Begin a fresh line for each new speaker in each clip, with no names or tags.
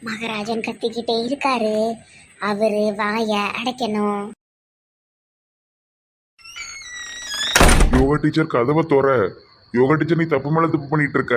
மகாராஜன் கத்திக்கிட்டே இருக்காரு. அவரு வாய அடைக்கணும்.
யோகா டீச்சர் கதவை தோற. யோகா டீச்சர் நீ தப்பு மேல தப்பு பண்ணிட்டு இருக்க.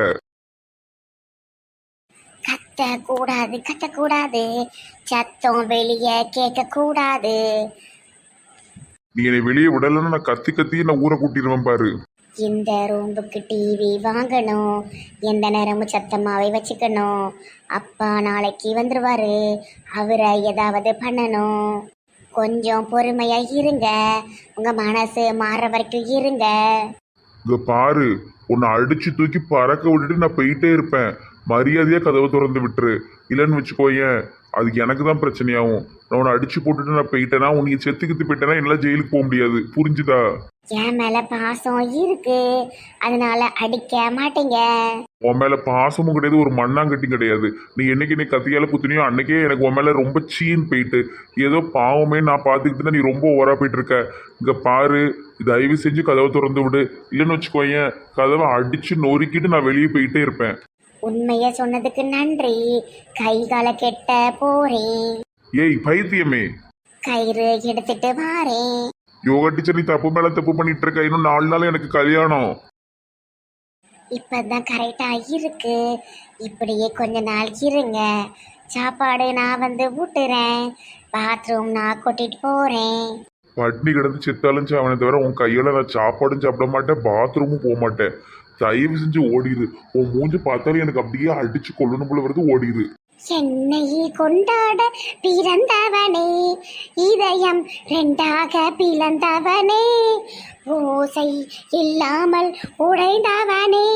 கத்தக்கூடாது, கத்தக்கூடாது. சத்தம் வெளியே கேட்க கூடாது.
நீ என்னை வெளியே விடலன்னு நான் கத்தி கத்தி நான் ஊரை கூட்டிடுவேன் பாரு.
இந்த ரூமுக்கு டிவி வாங்கணும். எந்த நேரமும் சத்தமாவே வச்சுக்கணும். அப்பா நாளைக்கு வந்துருவாரு. அவரை ஏதாவது பண்ணணும். கொஞ்சம் பொறுமையா இருங்க. உங்க மனசு மாற வரைக்கும் இருங்க.
இங்க பாரு, உன்னை அடிச்சு தூக்கி பறக்க விட்டுட்டு நான் போயிட்டே இருப்பேன். மரியாதையா கதவை திறந்து விட்டுரு. இல்லைன்னு வச்சுக்கோயேன், அது எனக்கு தான் பிரச்சனையாகும். நான் உன்னை அடிச்சு போட்டுட்டு நான் போயிட்டேன்னா உனக்கு செத்துக்கிட்டு போயிட்டேன்னா என்னால ஜெயிலுக்கு போக முடியாது. புரிஞ்சுதா?
என் மேல பாசம் இருக்கு, அதனால அடிக்க மாட்டீங்க.
உன் மேல பாசமும் கிடையாது, ஒரு மண்ணாங்கட்டி கிடையாது. நீ என்னைக்கு நீ கத்தியால குத்துனியோ அன்னைக்கே எனக்கு உன் மேல ரொம்ப சீன் போயிட்டு ஏதோ பாவமே நான் பார்த்துக்கிட்டு நீ ரொம்ப ஓவரா போயிட்டு இருக்க. இங்க பாரு, தயவு செஞ்சு கதவை திறந்து விடு. இல்லைன்னு வச்சுக்கோயேன், கதவை அடிச்சு நொறுக்கிட்டு நான் வெளியே போயிட்டே இருப்பேன்.
உண்மைய சொன்னதுக்கு நன்றி. கை கால கெட்ட போறேன்.
ஏய் பைத்தியமே,
கயிறு எடுத்துட்டு வாரேன்.
யோகா டீச்சர் நீ தப்பு மேல தப்பு பண்ணிட்டு இருக்க. இன்னும் 4 நாள் எனக்கு கல்யாணம்.
இப்பதான் கரெக்டா இருக்கு. இப்படியே கொஞ்ச நாள் இருங்க. சாப்பாடு நான் வந்து ஊட்டுறேன். பாத்ரூம் நான் கூட்டிட்டு போறேன்.
பட்னி கிடந்து செத்தாலும் சாவனை தவிர உன் கையால நான் சாப்பாடும் சாப்பிட மாட்டேன், பாத்ரூமும் போக மாட்டேன். தயவு செஞ்சு ஓடிடு. உன் மூஞ்சி பார்த்தாலும் எனக்கு அப்படியே அடிச்சு கொள்ளணும் போல வருது. ஓடிடு.
என்னை கொண்டாட பிறந்தவனே, இதயம் ரெண்டாக பிளந்தவனே, ஓசை இல்லாமல் உடைந்தவனே,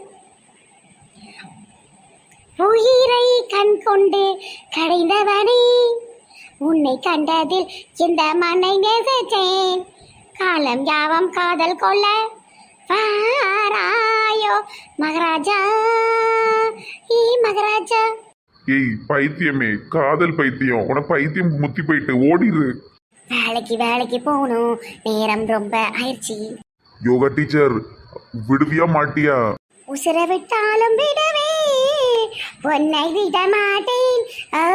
உயிரை கண் கொண்டு கடைந்தவனே, உன்னை கண்டதில் இந்த மண்ணை நேசித்தேன். காலம் யாவம் காதல் கொள்ள வாராயோ மகாராஜா, மகாராஜா.
ஏய் பைத்தியமே, காதல் பைத்தியம், உனக்கு பைத்தியம் முத்தி போயிட்டு ஓடிடு.
வேலைக்கு போகணும். நேரம் ரொம்ப ஆயிடுச்சு.
யோகா டீச்சர் விடுவியா மாட்டியா?
உசுர விட்டாலும் விடவே உன்னை விட மாட்டேன்.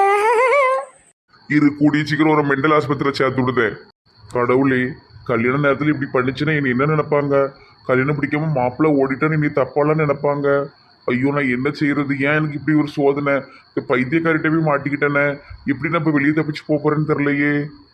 இரு, கூடிய சீக்கிரம் ஒரு மெண்டல் ஆஸ்பத்திரியில் சேர்த்து விடுதேன். கடவுளே, கல்யாண நேரத்தில் இப்படி பண்ணிச்சுன்னா இனி என்ன நினைப்பாங்க? கல்யாணம் பிடிக்காம மாப்பிள்ளை ஓடிட்டான்னு இனி தப்பாலாம் நினைப்பாங்க. ஐயோ நான் என்ன செய்யறது? ஏன் எனக்கு இப்படி ஒரு சோதனை? இந்த பைத்தியக்காரிட்ட போய் மாட்டிக்கிட்டேனே. எப்படி நான் இப்போ வெளியே தப்பிச்சு போறேன்னு தெரியலையே.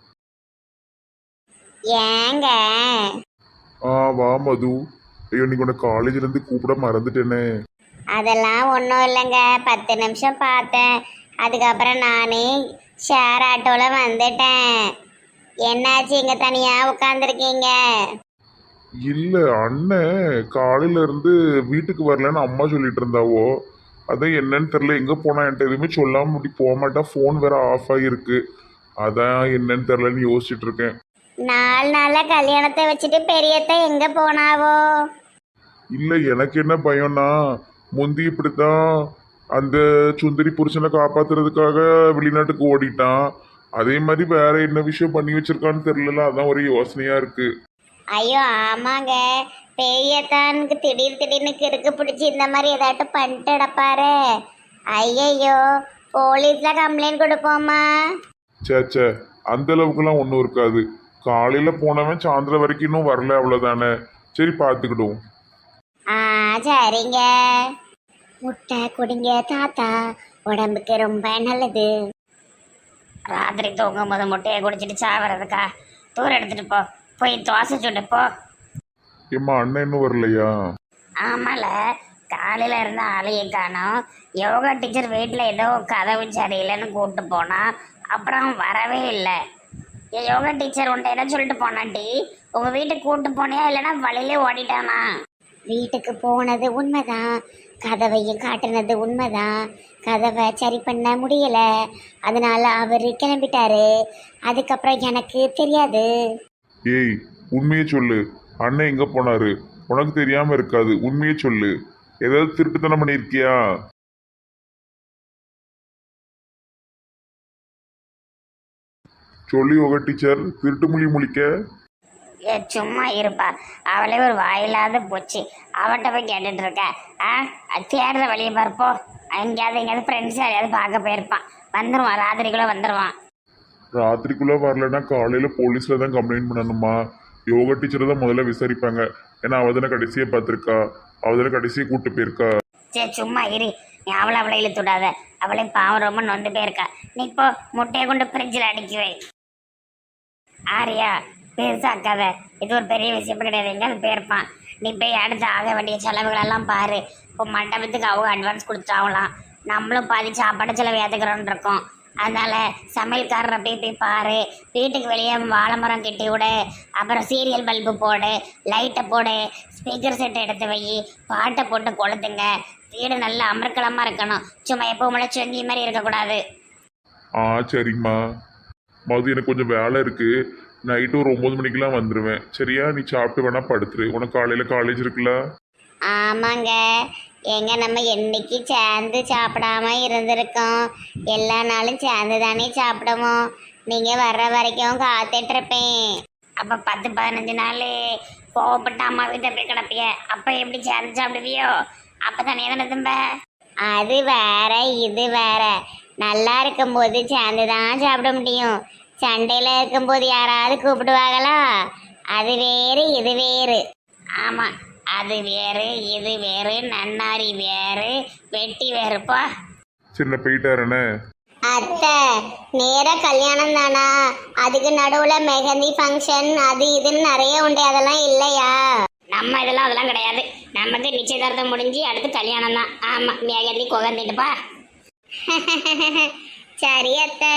ஏங்க
வா மது. ஐயோ நீ உன்னை காலேஜ்ல இருந்து கூப்பிட மறந்துட்டேனே.
அதெல்லாம் ஒன்றும் இல்லைங்க. 10 நிமிஷம் பார்த்தேன். அதுக்கப்புறம் நானே ஷேர் ஆட்டோவில் வந்துட்டேன். என்னாச்சு இங்கே தனியாக உட்காந்துருக்கீங்க?
இல்ல, அண்ணன் காலையில இருந்து வீட்டுக்கு வரலன்னு அம்மா சொல்லிட்டு இருந்தாவோ. அதான் என்னன்னு தெரியல. எங்க போனா என்கிட்ட எதுவுமே சொல்லாம இப்படி போக மாட்டா. போன் வேற ஆஃப் ஆகிருக்கு. அதான் என்னன்னு தெரியலன்னு யோசிச்சுட்டு இருக்கேன்.
4 நாளில் கல்யாணத்தை வச்சுட்டு பெரியத்தை எங்கே போனாவோ?
இல்ல, எனக்கு என்ன பயம்னா, முந்தி இப்படித்தான் அந்த சுந்தரி புருஷனை காப்பாத்துறதுக்காக வெளிநாட்டுக்கு ஓடிட்டான். அதே மாதிரி வேற என்ன விஷயம் பண்ணி வச்சிருக்கான்னு தெரியல. அதான் ஒரு யோசனையா இருக்கு.
ஐயோ ஆமாங்க, பெரியத்தானுக்கு திடீர்னு கிறுக்கு பிடிச்சி இந்த மாதிரி ஏதாட்டும் பண்ணிட்டு கிடப்பாரு. ஐயையோ, போலீஸில் கம்ப்ளைண்ட் கொடுப்போமா?
சே, அந்த அளவுக்குலாம் ஒன்றும் இருக்காது. காலையில போனவன் சாயந்தரம் வரைக்கும் இன்னும் வரல, அவ்வளோதானே. சரி பார்த்துக்கிடுவோம்.
சரிங்க. முட்டை குடிங்க தாத்தா, உடம்புக்கு ரொம்ப நல்லது.
ராத்திரி தூங்கும் போது முட்டையை குடிச்சிட்டு சாவறதுக்கா? தூரம் எடுத்துட்டு போ, போய் தோசை சுட்டு போ.
ஏம்மா அண்ணன் இன்னும் வரலையா?
ஆமால, காலையில இருந்த ஆளையை காணோம். யோகா டீச்சர் வீட்டில் ஏதோ கதவு சரியில்லைன்னு கூப்பிட்டு போனா, அப்புறம் வரவே இல்லை. என் யோகா டீச்சர் உன்ட்ட என்ன சொல்லிட்டு போனாட்டி? உங்க வீட்டுக்கு கூப்பிட்டு போனியா இல்லைன்னா வழியிலே ஓடிட்டானா?
வீட்டுக்கு போனது உண்மைதான், கதவையும் காட்டுனது உண்மைதான். கதவை சரி பண்ண முடியல, அதனால அவர் கிளம்பிட்டாரு. அதுக்கப்புறம் எனக்கு தெரியாது.
ஏய் உண்மையே சொல்லு, அண்ணன் எங்க போனாரு? உனக்கு தெரியாம இருக்காது, உண்மையே சொல்லு. ஏதாவது திருட்டுத்தனம் பண்ணியிருக்கியா? சொல்லி யோகா டீச்சர், திருட்டு மொழி முழிக்க.
சும்மா இருப்பா, அவளே ஒரு வாயில்லாத போச்சு. அவட்ட போய் கேட்டுட்டு இருக்க. தேடுற வழியை பார்ப்போ. எங்கேயாவது ஃப்ரெண்ட்ஸ் யாரையாவது பார்க்க போயிருப்பான். வந்துடுவான், ராத்திரிக்குள்ளே வந்துடுவான்.
ராத்திரிக்குள்ள வரலன்னா காலையில போலீஸ்ல தான் கம்ப்ளைண்ட் பண்ணணுமா? யோகா டீச்சரை தான் முதல்ல விசாரிப்பாங்க. ஏன்னா அவ தானே கடைசியை பார்த்துருக்கா, அவ தானே கடைசியை கூட்டு போயிருக்கா.
சரி சும்மா இரு, நீ அவளை இழுத்து விடாத. அவளே பாவம் ரொம்ப நொந்து போயிருக்கா. நீ இப்போ முட்டையை கொண்டு ஃப்ரிட்ஜில் அடுக்கி வை. ஆரியா பெருசாக்காத, இது ஒரு பெரிய விஷயம் கிடையாது. எங்கேயாவது போயிருப்பான். நீ போய் அடுத்து ஆக வேண்டிய செலவுகளெல்லாம் பாரு. இப்போ மண்டபத்துக்கு அவங்க அட்வான்ஸ் கொடுத்தாங்களாம், நம்மளும் பாதி சாப்பாடு செலவு ஏற்றுக்கிறோன்னு இருக்கோம். அதனால சமையல்காரரை போய் பாரு. வீட்டுக்கு வெளியே வாழை மரம் கட்டி விடு, அப்புறம் சீரியல் பல்பு போடு, லைட்டை போடு, ஸ்பீக்கர் செட் எடுத்து வை, பாட்டை போட்டு கொளுத்துங்க. வீடு நல்லா அமர்க்கலமாக இருக்கணும், சும்மா எப்பவும் முளைச்சி வங்கி மாதிரி இருக்கக்கூடாது.
சரிம்மா. மது எனக்கு கொஞ்சம் வேலை இருக்கு, நைட்டு ஒரு 9 மணிக்கெல்லாம் வந்துடுவேன். சரியா? நீ சாப்பிட்டு வேணா படுத்துரு, உனக்கு காலையில் காலேஜ் இருக்குல்ல.
ஆமாங்க, எங்க நம்ம என்னைக்கு சேர்ந்து சாப்பிடாம இருந்திருக்கோம். எல்லா நாளும் சேர்ந்து தானே சாப்பிடுவோம். நீங்க வர்ற வரைக்கும் காத்துட்டு இருப்பேன்.
அப்போ 10-15 நாள் கோவப்பட்ட அம்மா வீட்டை போய் கிடப்பிய, அப்போ எப்படி சேர்ந்து சாப்பிடுவியோ? அப்போ தானே தானே தும்ப.
அது வேற இது வேற. நல்லா இருக்கும்போது சேர்ந்து தான் சாப்பிட முடியும். சண்டையில இருக்கும்போது யாராவது கூப்பிடுவாங்களா? அது வேறு இது வேறு.
ஆமாம், அது வேறு இது வேறு, நன்னாரி வேறு, வெட்டி வேறுப்பா.
சின்ன போயிட்டாருண்ணே.
அத்தை, நேர கல்யாணம் தானா? அதுக்கு நடுவுல மெஹந்தி ஃபங்க்ஷன் அது இதுன்னு நிறைய உண்டு, அதெல்லாம் இல்லையா?
நம்ம இதெல்லாம் அதெல்லாம் கிடையாது. நமக்கு நிச்சயதார்த்தம் முடிஞ்சு அடுத்து கல்யாணம் தான். ஆமாம், மேகந்தி குகந்திட்டுப்பா.
சரி அத்தை.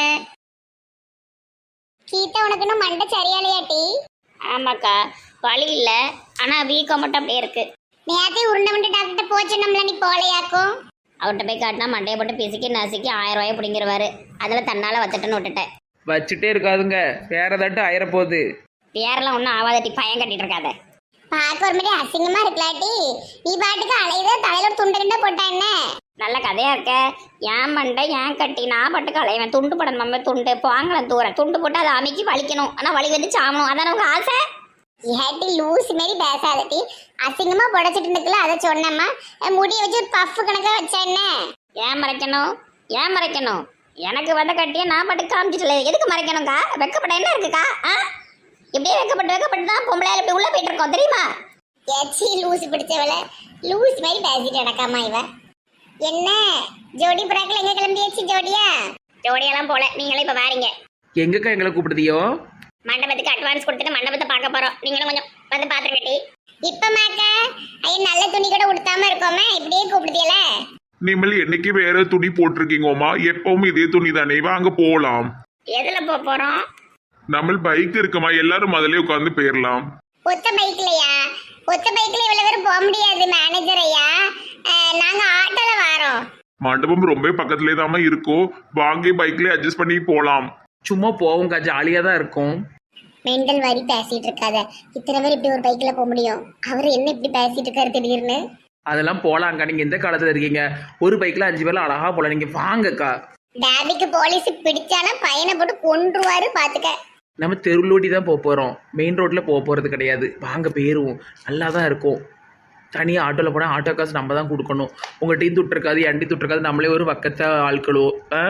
கீதா, உனக்கு இன்னும் மண்டை சரியாலையாட்டி?
ஆமாக்கா, வலி இல்லை, ஆனால் வீக்கம் மட்டும் அப்படியே இருக்கு.
நேரத்தை உருண்டை மண்டை டாக்டர் போச்சு, நம்மள நீ போலையாக்கும்.
அவர்கிட்ட போய் காட்டினா மண்டையை போட்டு பிசுக்கி நசுக்கி 1000 ரூபாயை பிடிங்கிருவாரு. அதில் தன்னால் வச்சுட்டுன்னு விட்டுட்டேன்.
வச்சுட்டே இருக்காதுங்க, வேற ஏதாட்டும் ஆயிரப்போகுது.
வேறெல்லாம் ஒன்றும் ஆவாதட்டி, பயம் கட்டிட்டு இருக்காத.
பார்க்க ஒரு மாதிரி அசிங்கமா இருக்கலாட்டி. நீ பாட்டுக்கு அலையுத, தலையில ஒரு துண்டு கிண்ட போட்டா என்ன?
நல்ல கதையா இருக்க. ஏன் மண்டை ஏன் கட்டி, நான் பாட்டுக்கு அலைவேன். துண்டு படம் நம்ம துண்டு வாங்கலாம், தூரம் துண்டு போட்டு அதை அமைக்கி வலிக்கணும். ஆனால் வலி வந்து சாமணும், அதான உங்க ஆசை.
ஏட்டி லூஸ் மாரி பேசாதட்டி. அசிங்கமா புடைச்சிட்டு இருந்துக்கல, அதை சொன்னம்மா. முடிய வச்சு ஒரு பஃப் கணக்கா வச்சா என்ன?
ஏன் மறைக்கணும், ஏன் மறைக்கணும்? எனக்கு வந்த கட்டியை நான் பாட்டுக்கு காமிச்சிட்டல, எதுக்கு மறைக்கணும்க்கா? வெக்கப்பட என்ன இருக்குக்கா? இப்படியே வெக்கப்பட்டு தான் பொம்பளையால் இப்படி உள்ள போயிட்டு இருக்கோம், தெரியுமா?
ஏச்சி லூஸ் பிடிச்சவள, லூஸ் மாதிரி பேசிட்டு நடக்காமா இவ. என்ன ஜோடி புறாக்கள் எங்க கிளம்பியாச்சு?
ஜோடியெல்லாம் போல, நீங்களே இப்போ வாரீங்க.
எங்கக்கா எங்களை கூப்பிடுதியோ?
மண்டபத்துக்கு அட்வான்ஸ் கொடுத்துட்டு மண்டபத்தை பார்க்க போறோம். நீங்களும் கொஞ்சம் வந்து பாத்துட்டு கட்டி.
இப்ப மாக்க ஐயா நல்ல துணி கூட உடுத்தாம இருக்கோமே, இப்படியே கூப்பிடுதியல.
நீங்கள் என்னைக்கு வேற துணி போட்டிருக்கீங்கோமா? எப்பவும் இதே துணி தானே, வாங்க போகலாம்.
எதுல போறோம்?
நம்ம பைக் இருக்குமா, எல்லாரும் முதல்ல உட்காந்து போயிடலாம்.
ஒத்த பைக்லயா? ஒத்த பைக்ல இவ்வளவு பேரும் போக முடியாது மேனேஜர் ஐயா. நாங்க ஆட்டோல வரோம்.
மண்டபம் ரொம்ப பக்கத்துலேயே தாம இருக்கோ, வாங்கி பைக்ல அட்ஜஸ்ட் பண்ணி போகலாம்.
சும்மா போவோம்க்கா, ஜாலியாக தான் இருக்கும்.
மெண்டல் மாதிரி பேசிட்டு இருக்காத. இத்தனை பேர் இப்படி ஒரு பைக்ல போக முடியும்? அவர் என்ன இப்படி பேசிட்டு இருக்காரு திடீர்னு?
அதெல்லாம் போகலாங்க்கா, நீங்கள் எந்த காலத்தில் இருக்கீங்க? ஒரு பைக்கில் 5 பேர்ல அழகா போகலாம், நீங்கள் வாங்கக்கா.
டேபிக்கு போலீஸ் பிடிச்சானா பையனை போட்டு கொன்றுவாரு பாத்துக்க.
நம்ம தெருளோட்டி தான் போக போகிறோம், மெயின் ரோட்டில் போக போகிறது கிடையாது. வாங்க போயிடுவோம், நல்லா தான் இருக்கும். தனியாக ஆட்டோவில் போனால் ஆட்டோ காசு நம்ம தான் கொடுக்கணும். உங்கள் டீ துட்டுருக்காது, என் டீ துட்டுருக்காது, நம்மளே ஒரு பக்கத்தை ஆட்களோ.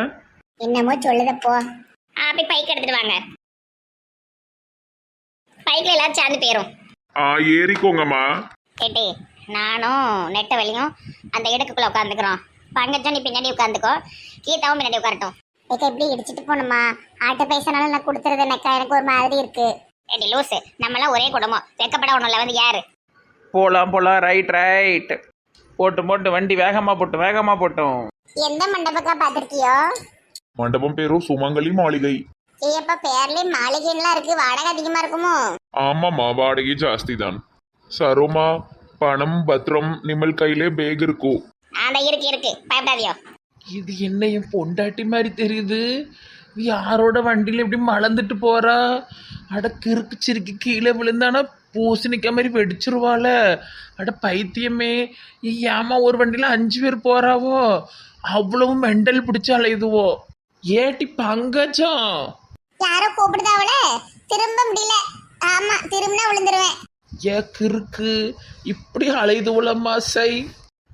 என்னமோ சொல்லுதப்போ.
போய் பைக் எடுத்துட்டு வாங்க, பைக்ல எல்லாரும் சேர்ந்து போயிரும்.
ஏறிக்கோங்கம்மா.
கேட்டி, நானும் நெட்ட வழியும் அந்த இடத்துக்குள்ள உட்காந்துக்கிறோம். பங்கஜம் நீ பின்னாடி உட்காந்துக்கோ, கீதாவும் பின்னாடி உட்காரட்டும்.
எப்படி இடிச்சிட்டு போகணுமா? ஆட்டோ பைசானாலும் நான் கொடுத்துறது எனக்கு ஒரு மாதிரி இருக்கு.
ஏடி லூசு, நம்மளாம் ஒரே குடும்பம், வெக்கப்பட ஒண்ணுல வந்து யாரு?
போகலாம் ரைட் போட்டு வண்டி வேகமாக போட்டோம்.
எந்த மண்டபக்கா பாத்திருக்கியோ?
மண்டபம் பேரும் சுமங்கலி மாளிகை.
ஏப்பா பேர்லயே மாளிகைலாம் இருக்கு, வாடகை அதிகமா இருக்குமோ?
ஆமாம்மா, வாடகை ஜாஸ்தி தான். சரோமா, பணம் பத்திரம் நிமல் கையிலே பேக் இருக்கும்.
இருக்கு பயப்படாதியோ.
இது என்ன என் பொண்டாட்டி மாதிரி தெரியுது? யாரோட வண்டியில் எப்படி மலர்ந்துட்டு போறா? அட கிறுக்கு சிறுக்கி கீழே விழுந்தானா பூசணிக்க மாதிரி வெடிச்சிருவாள. அட பைத்தியமே, ஏமா ஒரு வண்டியில் 5 பேர் போறாவோ? அவ்வளவு மெண்டல் பிடிச்சி அலையுதுவோ. ஏட்டி பங்கஜம்,
யாரோ கூப்பிடுதாவல, திரும்ப முடியல. ஆமா, திரும்பினா விழுந்துருவேன்.
ஏ கிறுக்கு, இப்படி அலையுதுவளம்மா சை.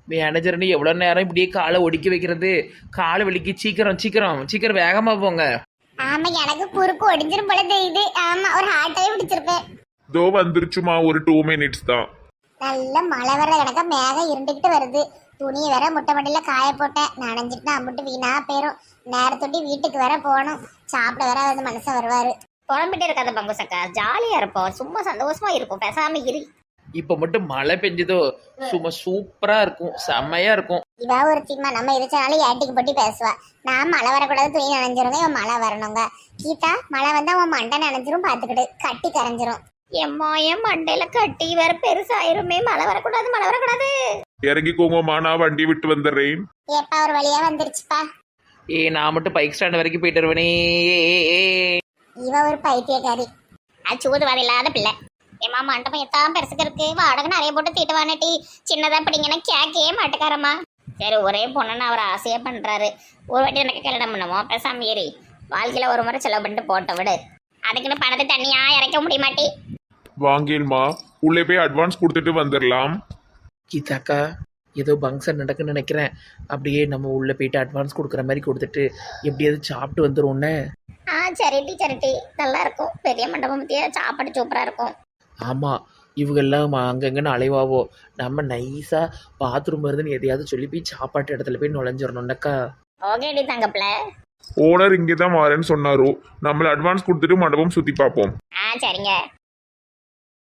மேனேஜர்னு எவ்வளோ நேரம் இப்படியே காலை ஒடிக்க வைக்கிறது? காலை வலிக்கு, சீக்கிரம் சீக்கிரம் சீக்கிரம் வேகமாக போங்க.
ஆமா எனக்கு குறுக்கு ஒடிஞ்சிரும் போல தெரியுது. ஆமா ஒரு ஹார்ட்டாவே பிடிச்சிருப்பேன்.
இதோ வந்துருச்சுமா, ஒரு 2 மினிட்ஸ் தான்.
நல்ல மழை வர கணக்கா மேகம் இருண்டுகிட்டு வருது. துணியை வேற முட்டை மண்டியில காய போட்டேன். நனைஞ்சிட்டுனா அம்பிட்டு வீணா போயிரும். நேரத்தொட்டி வீட்டுக்கு வேற போகணும். சாப்பிட வேற வந்து மனுஷன் வருவாரு.
புலம்பிட்டே இருக்காத பங்குசக்கா, ஜாலியா இருப்போம், சும்மா சந்தோஷமா இருப்போம், பேசாம இரு.
இப்போ மட்டும் மழை பெஞ்சதோ சும்மா சூப்பராக இருக்கும், செம்மையாக இருக்கும்.
இவா ஒரு தீமா நம்ம எதிர்த்தாலும் ஏட்டிக்கு போட்டி பேசுவா. நான் மழை வரக்கூடாது, துணி நனைஞ்சிருங்க, இவன் மழை வரணுங்க. கீதா மழை வந்தா உன் மண்டை நனைஞ்சிரும், பாத்துக்கிட்டு கட்டி கரைஞ்சிரும்.
என் மண்டையில கட்டி வேற பெருசாயிருமே. மழை வரக்கூடாது, மழை வரக்கூடாது.
இறங்கிக்கோங்கம்மா, நான் வண்டி விட்டு வந்துடுறேன்.
ஏப்பா ஒரு வழியா வந்துருச்சுப்பா.
நான் மட்டும் பைக் ஸ்டாண்ட் வரைக்கும் போயிட்டு வருவேனே.
இவ ஒரு பைத்தியக்காரி.
சூதுவாது இல்லாத பிள்ளை. ஏமா மண்டபம் எத்தான் பெருசுக்கு இருக்கு, வாடகை நிறைய போட்டு தீட்டு வானட்டி. சின்னதா பிடிங்கன்னா கேட்கவே மாட்டுக்காரம்மா. சரி, ஒரே பொண்ணுன்னு அவர் ஆசையா பண்றாரு. ஒரு வாட்டி எனக்கு கல்யாணம் பண்ணுமோ, பேசாம ஏறி வாழ்க்கையில ஒரு முறை செலவு பண்ணிட்டு போட்ட விடு. அதுக்குன்னு பணத்தை தண்ணியா இறக்க முடிய மாட்டி.
வாங்கேன்மா, உள்ளே போய் அட்வான்ஸ் கொடுத்துட்டு வந்துடலாம்.
கீதாக்கா, ஏதோ பங்க்ஷன் நடக்குன்னு நினைக்கிறேன். அப்படியே நம்ம உள்ளே போயிட்டு அட்வான்ஸ் கொடுக்குற மாதிரி கொடுத்துட்டு எப்படியாவது சாப்பிட்டு வந்துடும்னே.
சரிட்டி நல்லா இருக்கும். பெரிய மண்டபம் பத்தியா சாப்பாடு சூப்பரா இருக்கும்.
ஆமாம், இவங்கெல்லாம் அங்கங்கன்னு அலைவாவோ. நம்ம நைஸாக பாத்ரூம் வருதுன்னு எதையாவது சொல்லி போய் சாப்பாட்டு இடத்துல போய் நுழைஞ்சிடணும்னாக்கா.
ஓகேடி தங்கப்பிள்ள.
ஓனர் இங்கே தான் வரேன்னு சொன்னாரோ. நம்மள அட்வான்ஸ் கொடுத்துட்டு மண்டபம் சுற்றி பார்ப்போம்.
சரிங்க.